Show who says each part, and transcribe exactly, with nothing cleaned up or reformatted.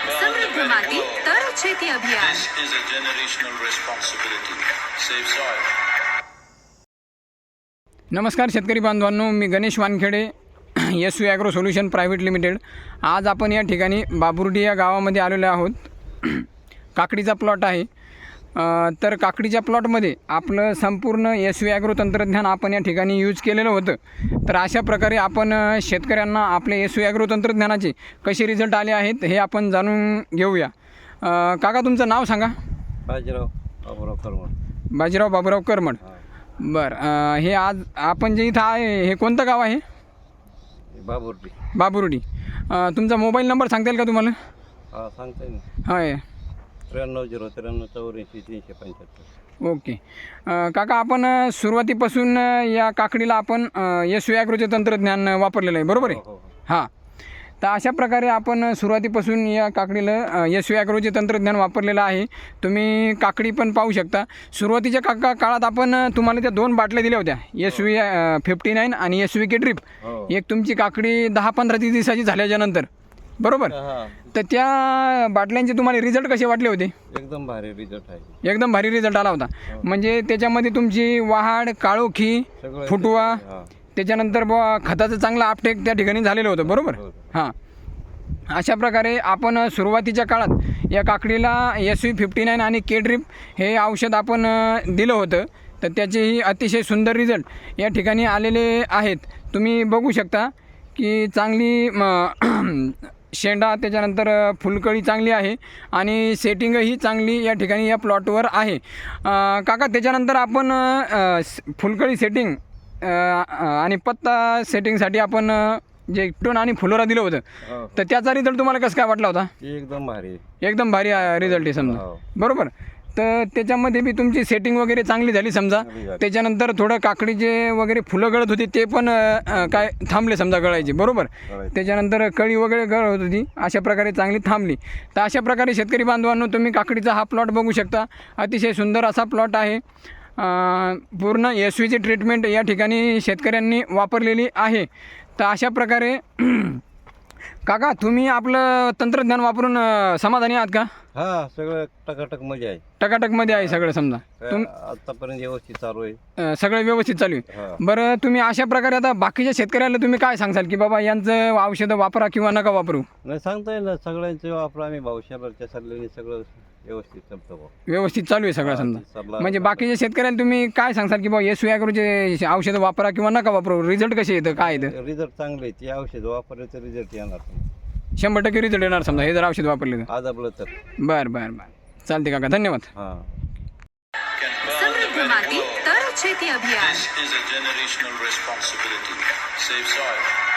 Speaker 1: समृद्ध माती तर शेती अभियान.
Speaker 2: This is a generational responsibility. Save soil.
Speaker 3: नमस्कार शेतकरी बांधवांनो, मी Ganesh Wankhede, S U agro solution private limited. आज आपण या ठिकाणी बाबुर्डी या गावामध्ये आलेलो आहोत. काकडीचा प्लॉट आहे. तर काकडीच्या प्लॉटमध्ये आपलं संपूर्ण एस यू ॲग्रो तंत्रज्ञान आपण या ठिकाणी यूज केलेलं होतं. तर अशा प्रकारे आपण शेतकऱ्यांना आपले एस यू ॲग्रो तंत्रज्ञानाचे कसे रिझल्ट आले आहेत हे आपण जाणून घेऊया. काका, तुमचं नाव सांगा.
Speaker 4: बाजीराव बाबूराव करमड.
Speaker 3: बाजीराव बाबूराव करमड. बरं, हे आज आपण जे इथं आहे हे कोणतं गाव आहे?
Speaker 4: बाबुर्डी.
Speaker 3: बाबुर्डी. तुमचा मोबाईल नंबर सांगता येईल का तुम्हाला?
Speaker 4: हां, सांगता येईल ना.
Speaker 3: होय.
Speaker 4: त्र्याण्णव झिरो त्र्याण्णव चौऱ्याऐंशी तीनशे पंच्याहत्तर.
Speaker 3: ओके. काका, आपण सुरुवातीपासून या काकडीला आपण एस यू ॲग्रोचे तंत्रज्ञान वापरलेलं आहे, बरोबर आहे?
Speaker 4: हो, हो.
Speaker 3: हां. तर अशा प्रकारे आपण सुरुवातीपासून या काकडीला एस यू ॲग्रोचे तंत्रज्ञान वापरलेलं आहे. तुम्ही काकडी पण पाहू शकता. सुरुवातीच्या काका काळात आपण तुम्हाला त्या दोन बाटल्या दिल्या होत्या, एस व्ही फिफ्टी नाईन आणि एस व्ही के ड्रिप.
Speaker 4: हो.
Speaker 3: एक तुमची काकडी दहा पंधरा तीस दिवसाची झाल्याच्या नंतर, बरोबर?
Speaker 4: हां,
Speaker 3: तर त्या बाटल्यांचे तुम्हाला रिझल्ट कसे वाटले होते?
Speaker 4: एकदम भारी रिझल्ट आहे.
Speaker 3: एकदम भारी रिझल्ट आला होता. म्हणजे त्याच्यामध्ये तुमची वाढ, काळोखी,
Speaker 4: सगळं
Speaker 3: फुटवा,
Speaker 4: हां.
Speaker 3: त्याच्यानंतर बुवा खताचं चांगलं आपटेक त्या ठिकाणी झालेलं होतं, बरोबर?
Speaker 4: हो.
Speaker 3: हां. अशा प्रकारे आपण सुरुवातीच्या काळात या काकडीला एस व्ही फिफ्टी नाईन आणि के ड्रिप हे औषध आपण दिलं होतं. तर त्याचेही अतिशय सुंदर रिझल्ट या ठिकाणी आलेले आहेत. तुम्ही बघू शकता की चांगली शेंडा, त्याच्यानंतर फुलकळी चांगली आहे आणि सेटिंगही चांगली या ठिकाणी या प्लॉटवर आहे. काका, त्याच्यानंतर आपण फुलकळी सेटिंग आणि पत्ता सेटिंगसाठी आपण जे टोन आणि फुलोरा दिलं होतं,
Speaker 4: हो.
Speaker 3: तर त्याचा रिझल्ट तुम्हाला कसं काय वाटला होता?
Speaker 4: एकदम भारी.
Speaker 3: एकदम भारी रिझल्ट आहे समजा,
Speaker 4: हो.
Speaker 3: बरोबर? तर त्याच्यामध्ये बी तुमची सेटिंग वगैरे चांगली झाली समजा.
Speaker 4: चांगली झाली.
Speaker 3: त्याच्यानंतर थोडं काकडीचे वगैरे फुलं गळत होती ते पण अ, काय थांबले समजा गळायचे, बरोबर?
Speaker 4: गळायचे.
Speaker 3: त्याच्यानंतर कळी वगैरे गळत होती, अशा प्रकारे चांगली थांबली. तर अशा प्रकारे शेतकरी बांधवांनो, तुम्ही काकडीचा हा प्लॉट बघू शकता. अतिशय सुंदर असा प्लॉट आहे. पूर्ण एस व्हीची ट्रीटमेंट या ठिकाणी शेतकऱ्यांनी वापरलेली आहे. तर अशा प्रकारे काका, तुम्ही आपलं तंत्रज्ञान वापरून समाधानी आहात का?
Speaker 4: हा, सगळं टकाटक मजा आहे.
Speaker 3: टकाटकमध्ये आहे सगळं समजा. तुम
Speaker 4: आतापर्यंत व्यवस्थित चालू आहे.
Speaker 3: अ, सगळं व्यवस्थित चालू आहे.
Speaker 4: हा.
Speaker 3: बरं, तुम्ही अशा प्रकारे आता बाकीच्या शेतकऱ्याला तुम्ही काय सांगसाल की बाबा यांचं औषधं वापरा किंवा नका वापरू?
Speaker 4: नाही, सांगता येईल ना. सगळ्यांचे वापर आम्ही भाऊशालरच्या सल्ल्याने सगळं व्यवस्थित चालतं भाऊ.
Speaker 3: व्यवस्थित चालू आहे सगळं
Speaker 4: हा,
Speaker 3: समजा.
Speaker 4: सल्ला-
Speaker 3: म्हणजे बाकीच्या शेतकऱ्यांना तुम्ही काय सांगसाल की बाबा एस व्ही ॲग्रोचे औषधं वापरा किंवा नका वापरू? रिझल्ट कसे येतं, काय येतं?
Speaker 4: रिझल्ट चांगले. ते औषध वापरले तर रिझल्ट येणार.
Speaker 3: शंभर टक्के रिझल्ट येणार समजा हे जर औषध वापरले तर.
Speaker 4: आज आपलं तर
Speaker 3: बरं बरं बरं, चालते काका, धन्यवाद.
Speaker 4: हां.
Speaker 2: Can burn
Speaker 1: समृद्ध
Speaker 2: the
Speaker 1: माती
Speaker 2: very world.
Speaker 1: तर शेती अभियान.
Speaker 2: This is a generational responsibility. Save soil.